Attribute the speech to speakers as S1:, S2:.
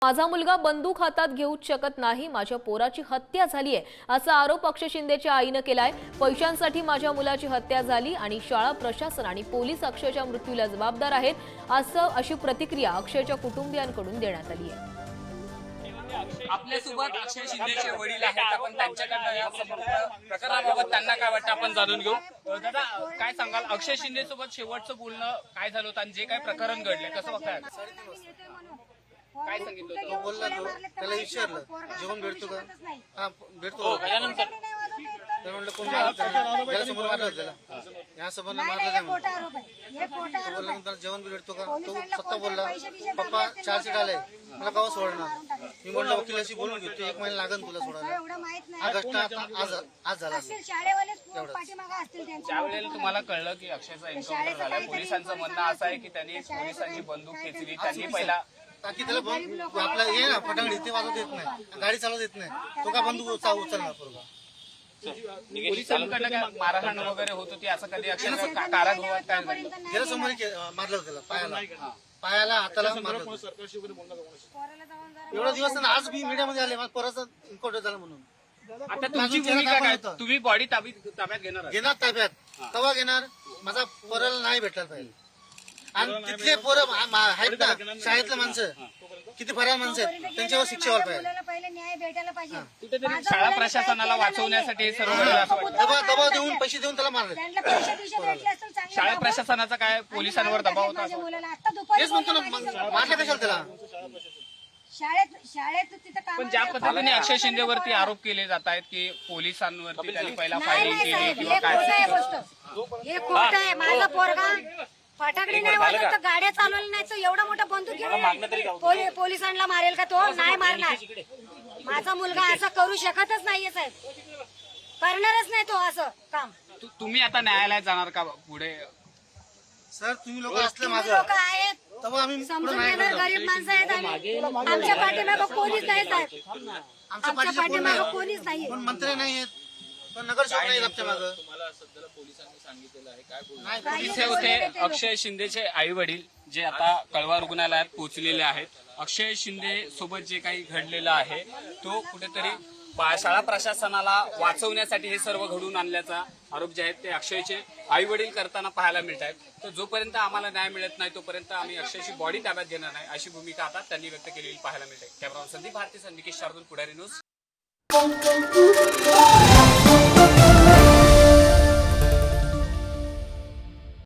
S1: माझा मुलगा बंदूक हातात घेऊच शकत नाही, माझ्या पोराची हत्या झाली आहे असा आरोप अक्षय शिंदेच्या आईनं केलाय। पैशांसाठी माझ्या मुलाची हत्या झाली आणि शाळा प्रशासन आणि पोलीस अक्षयच्या मृत्यूला जबाबदार आहेत अशी प्रतिक्रिया अक्षयच्या कुटुंबियांकडून देण्यात आली आहे।
S2: आपल्यासोबत अक्षय शिंदेचे वडील आहेत, आपण त्यांच्याकडे या प्रकरणाबाबत त्यांना काय वाटतं आपण जाणून घेऊ। दादा काय सांगाल, अक्षय शिंदे सोबत शेवटचं बोलणं काय झालं होतं आणि जे काय प्रकरण घडले कसं बघताय? काय सांगितलं होतं?
S3: तो बोलला, तो त्याला विचारलं जेवण भेटतो का? हा भेटतो।
S2: त्यानंतर
S3: तर म्हणलं कोण त्याला समोर मारलं त्याला या समोरला मारलं काय म्हणतो बोलला नंतर जेवण भेटतो का? तो स्वतः बोलला पप्पा 4 सीट आले मला केव्हा सोडणार? मी म्हणलं वकिलाशी बोलून घेतो, 1 महिना लागेल तुला सोडायला। हा घटना आज झाला।
S2: त्यावेळेला तुम्हाला कळलं की अक्षयचा एन्काउंटर झाला, पोलिसांचं म्हणणं असं आहे की त्यांनी पोलिसांची बंदूक खेचली, त्यांनी पहिला
S3: ताकि त्याला आपला ये ना फटांगडी ते वाजवत येत नाही, गाडी चालवत येत नाही, तो का बंदूक उचलणार पोरगा?
S2: पोलिसांकडनं काय मारहाण वगैरे होत होती असं कधी अक्षय कारागृहात काय झालं?
S3: त्याला समोर मारलं त्याला पायाला हाताला मारलं। एवढा दिवस आज मी मीडियामध्ये आले, माझा पोराचा एन्काउंटर झाला म्हणून।
S2: आता तुमची भूमिका काय? तुम्ही बॉडी ताब्यात घेणार
S3: ताब्यात तेव्हा घेणार, माझा पोराला नाही भेटला पाहिजे। आणि तिथले पोरं आहेत ना शाळेतले माणसं, किती फरार माणसं आहेत, त्यांच्यावर शिक्षा व्हायला पाहिजे।
S2: कुठेतरी शाळा प्रशासनाला वाचवण्यासाठी हे सर्व
S3: दबाव देऊन पैसे देऊन त्याला मारले।
S2: शाळा प्रशासनाचा काय पोलिसांवर दबाव होता?
S3: तेच म्हणतो ना, मारलं कशाला त्याला?
S4: शाळेत तिथं
S2: पण ज्या पद्धतीने अक्षय शिंदेवरती आरोप केले जात आहेत की पोलिसांवरती त्यांनी पहिला फायरिंग केली किंवा काय,
S4: हे खोट आहे। माझा पोरगा फटाकडी नाही वाजत तर गाड्या चालवल्या नाही तर एवढा मोठा बंदूक घेऊन पोलिसांना मारेल का? तो नाही मारणार। माझा मुलगा असं करू शकतच नाहीये साहेब, करणारच नाही तो असं काम।
S2: तुम्ही आता न्यायालयात जाणार का पुढे?
S3: सर तुम्ही लोक असले माझं
S4: लोक आहेत
S3: तेव्हा आम्ही
S4: समजून घेणार, गरीब माणसं आहेत आम्ही। आमच्या पाठीमागं कोणीच नाही साहेब, आमच्या पाठीमागं कोणीच नाही,
S3: पण मंत्री नाही आहेत, पण नगरसेवक नाही आमच्या मागं।
S2: इथे होते अक्षय शिंदेचे आई वडील जे आता कळवा रुग्णालयात पोहोचलेले आहेत। अक्षय शिंदे सोबत जे काही घडलेलं आहे तो कुठेतरी शाळा प्रशासनाला वाचवण्यासाठी हे सर्व घडून आणल्याचा आरोप जे आहेत ते अक्षयचे आई वडील करताना पाहायला मिळत आहेत। तर जोपर्यंत आम्हाला न्याय मिळत नाही तोपर्यंत आम्ही अक्षयची बॉडी ताब्यात घेणार नाही अशी भूमिका आता त्यांनी व्यक्त केलेली पाहायला मिळते। Cameraman Sandeep Bharati, Nikesh Shardul, Pudhari news.